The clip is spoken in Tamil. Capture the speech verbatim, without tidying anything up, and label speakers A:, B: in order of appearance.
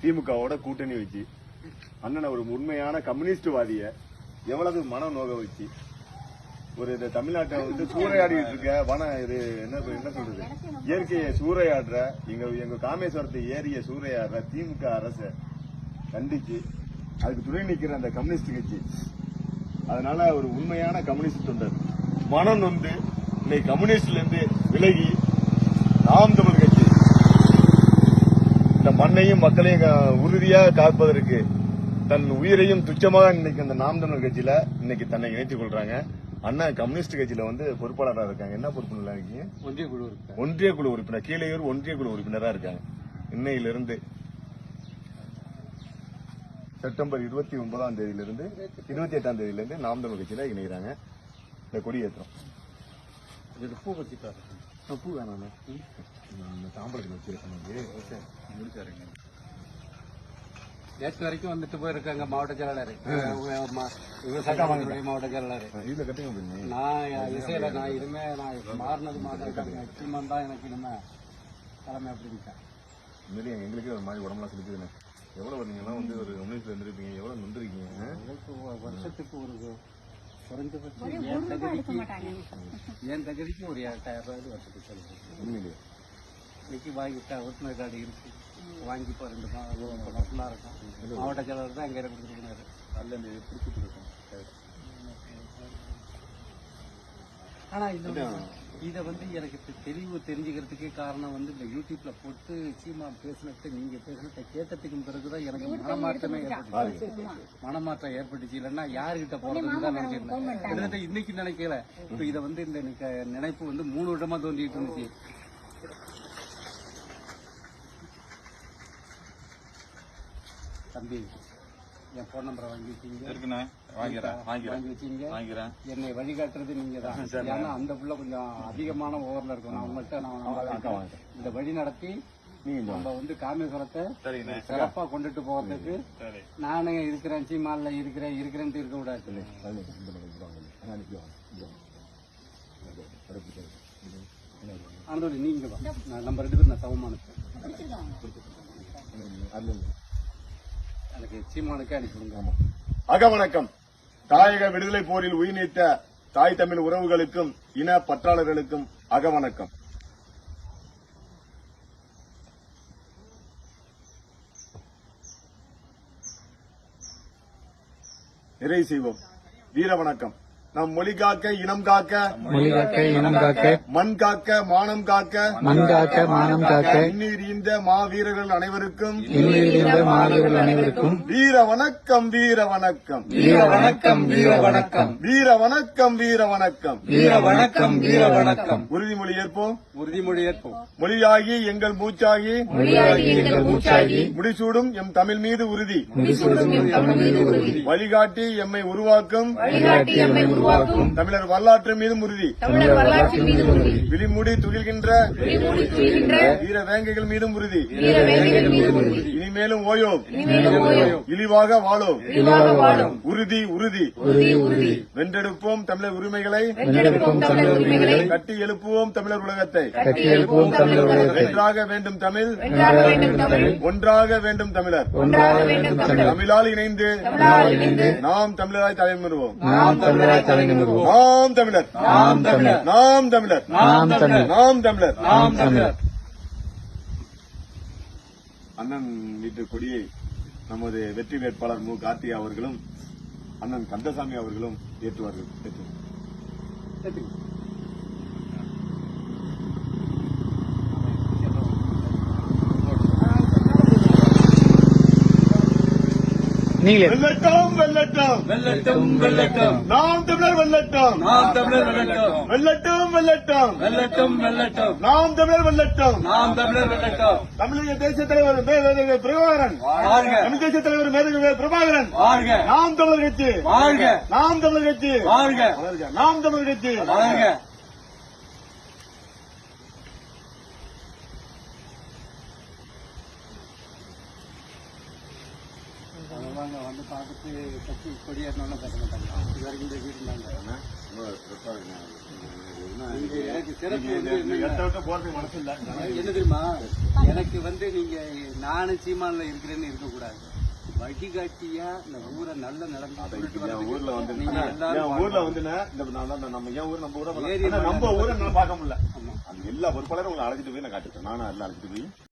A: திமுகவோட கூட்டணி வச்சு அண்ணனை ஒரு உண்மையான கம்யூனிஸ்ட்வாதிய எவ்வளவு மன நோக வச்சு ஒரு இந்த தமிழ்நாட்டை வந்து சூறையாடிட்டு இருக்க வன இது என்ன என்ன சொல்றது இயற்கையை சூறையாடுற எங்க எங்க காமேஸ்வரத்தை ஏரிய சூறையாடுற திமுக அரசை கண்டிச்சு அதுக்கு துணை நிக்கிற அந்த கம்யூனிஸ்ட் கட்சி. அதனால ஒரு உண்மையான கம்யூனிஸ்ட் தொண்டர் மனம் நொந்து இன்னைக்கு கம்யூனிஸ்ட்ல இருந்து விலகி நாம் தமிழ் கட்சி இந்த மண்ணையும் மக்களையும் உறுதியாக காப்பதற்கு தன் உயிரையும் துச்சமாக இன்னைக்கு அந்த நாம் தமிழர் கட்சியில இன்னைக்கு தன்னை இணைத்துக் கொள்றாங்க. அண்ணா கம்யூனிஸ்ட் கட்சியில வந்து பொறுப்பாளராக இருக்காங்க. என்ன பொறுப்புல இருக்கீங்க? ஒன்றிய குழு ஒன்றிய குழு உறுப்பினர் கீழையூர் ஒன்றிய குழு உறுப்பினரா இருக்காங்க. இன்னையிலிருந்து செப்டம்பர் இருபத்தி ஒன்பதாம் தேதியிலிருந்து இருபத்தி எட்டாம் தேதியிலிருந்து நாம் தமிழ் கட்சியில இணைகிறாங்க. இந்த கொடியேற்றம் பூ வச்சுட்டாரு. பூ வேணாம் தாம்பரத்தில் வச்சு முடிச்சாருங்க. நேற்று வரைக்கும் வந்துட்டு போயிருக்காங்க மாவட்ட செயலாளர், விவசாய மாவட்ட செயலாளர். நான் இசையில நான் இனிமே நான் மாறினது மாதிரி தான் எனக்கு இனிமே தலைமை அப்படின்ட்டேன். உண்மையிலேயே எங்களுக்கே ஒரு மாதிரி உடம்புலாம் செலுத்துதுண்ணே. எவ்வளவு நீங்களாம் வந்து ஒரு கம்யூனிஸ்ட்ல இருந்திருப்பீங்க, எவ்வளவு நொந்திருக்கீங்க. வருஷத்துக்கு ஒரு குறைஞ்சபட்சம் என் தகுதிக்கு என் தகுதிக்கு ஒரு எட்டாயிரம் ரூபாய் வருஷத்துக்கு செலுத்து. உண்மையிலேயே இன்னைக்கு வாங்கிட்டா உறுப்பினர் கார்டு இருக்கு, வாங்கி இப்போ ரெண்டு மாசம் இருக்கும். மாவட்ட செயலாளர் தான் அங்கே கொடுத்துருக்காரு. அதில் இந்த பிடிச்சிட்டு இருக்கோம். ஆனா இந்த இதை வந்து எனக்கு தெளிவு தெரிஞ்சுக்கிறதுக்கே காரணம் வந்து இந்த யூடியூப்ல போட்டு சீமா பேசினது நீங்க பேசினதை கேட்டதுக்கு பிறகுதான் எனக்கு மனமாற்றமே ஏற்பட்டுச்சு. மனமாற்றம் ஏற்பட்டுச்சு. இல்லைன்னா யாருகிட்ட போறதுன்னு தான் நினைச்சிருந்தேன். கிட்டத்தட்ட இன்னைக்கு நினைக்கல. இப்போ இதை வந்து இந்த நினைப்பு வந்து மூணு வருடமா தோண்டிட்டு இருந்துச்சு. தம்பி என் போன் நம்பரை வாங்கி வச்சீங்க, வாங்கி வச்சீங்க. என்னை வழிகாட்டுறது நீங்க தான். ஏன்னா அந்த புள்ள கொஞ்சம் அதிகமான ஓவர்ல இருக்கும். நான் உங்கள்கிட்ட நான் இந்த வழி நடத்தி நம்ம வந்து காமேஸ்வரத்தை சிறப்பா கொண்டுட்டு போறதுக்கு நானே இருக்கிறேன். சீமான்ல இருக்கிறேன் இருக்கிறேன் இருக்க கூடாது. ஆனதோட நீங்க நம்ம ரெண்டு பேரும் நான் சமமானது அக வணக்கம். தாயக விடுதலை போரில் உயிர் நீத்த தாய் தமிழ் உறவுகளுக்கும் இன பற்றாளர்களுக்கும் அக வணக்கம். நிறைவு செய்வோம். வீர வணக்கம். நம் மொழி காக்க இனம் காக்க மொழி காக்க இனம் காக்க மண் காக்க மானம் காக்க மண் காக்க மானம் காக்க இன்னீர் இந்த மாவீரர்கள் அனைவருக்கும் இன்னீர் மாவீரர்கள் அனைவருக்கும் வீர வணக்கம் வீர வணக்கம் வீர வணக்கம் வீர வணக்கம் வீர வணக்கம் வீர வணக்கம் வீர வணக்கம் வீர வணக்கம். உறுதிமொழி ஏற்போம். உறுதிமொழி ஏற்போம். மொழியாகி எங்கள் மூச்சாகி மொழியாகி எங்கள் மூச்சாகி முடிசூடும் எம் தமிழ் மீது உறுதி முடிசூடும் எம் தமிழ் மீது உறுதி வழிகாட்டி எம்மை உருவாக்கும் வழிகாட்டி எம்மை தமிழர் வரலாற்று மீதும் உறுதி விழிமூடி துகில்கின்ற வீர வேங்கைகள் மீதும் உறுதி இனிமேலும் ஓயோம் இழிவாக வாழோம் உறுதி உறுதி வென்றெடுப்போம் தமிழர் உரிமைகளை கட்டி எழுப்புவோம் தமிழர் உலகத்தை வென்றாக வேண்டும் தமிழ் ஒன்றாக வேண்டும் தமிழர் தமிழால் இணைந்து நாம் தமிழராய் தலைமுறுவோம். நாம் தமிழர் நாம் தமிழர் நாம் தமிழர் நாம் தமிழர் நாம் தமிழர் நாம் தமிழர். அண்ணன் வீட்டு கொடியை நமது வெற்றி வேட்பாளர் மு கார்த்திகா அவர்களும் அண்ணன் கந்தசாமி அவர்களும் ஏற்றுவார்கள். நீங்களே வெல்லட்டும் வெல்லட்டும் வெல்லட்டும் வெல்லட்டும் நாம் தமிழர் வெல்லட்டும் நாம் தமிழர் வெல்லட்டும் வெல்லட்டும் வெல்லட்டும் வெல்லட்டும் வெல்லட்டும் நாம் தமிழர் வெல்லட்டும் நாம் தமிழர் வெல்லட்டும். தமிழக தேசிய தலைவர் மேதகு பிரபாகரன் வாழ்க. தமிழ் தேசிய தலைவர் மேதகு பிரபாகரன் வாழ்க. நாம் தமிழர் கட்சி வாழ்க. நாம் தமிழர் கட்சி வாழ்க. நாம் தமிழர் கட்சி வாழ்க. வந்து பார்த்துட்டு கட்சி கொடியேறணும்னு பேச மாட்டாங்க. இது வரைக்கும் வீடு இருந்தாங்க.
B: நீங்க எனக்கு சிறப்பு வந்து
A: இந்த இடத்த விட்டு போறதுக்கு மனசு இல்ல.
B: என்ன தெரியுமா, எனக்கு வந்து நீங்க நானும் சீமான்ல இருக்கிறேன்னு இருக்கக்கூடாது. வழிகாட்டியா இந்த ஊரை நல்ல நிலைமை
A: என் ஊர்ல வந்து
B: நீங்க
A: என்
B: எல்லாரும்
A: ஊர்ல வந்து இந்த நான் தான் நம்ம என் ஊர் நம்ம ஊரை
B: ஏரி
A: நம்ம ஊரை நான் பார்க்க முடியல.
B: ஆமா.
A: அந்த எல்லா பொறுப்பாளரும் உங்களை அழைச்சிட்டு போய் நான் காட்டுறேன். நானும் எல்லாம் அழைச்சிட்டு போய்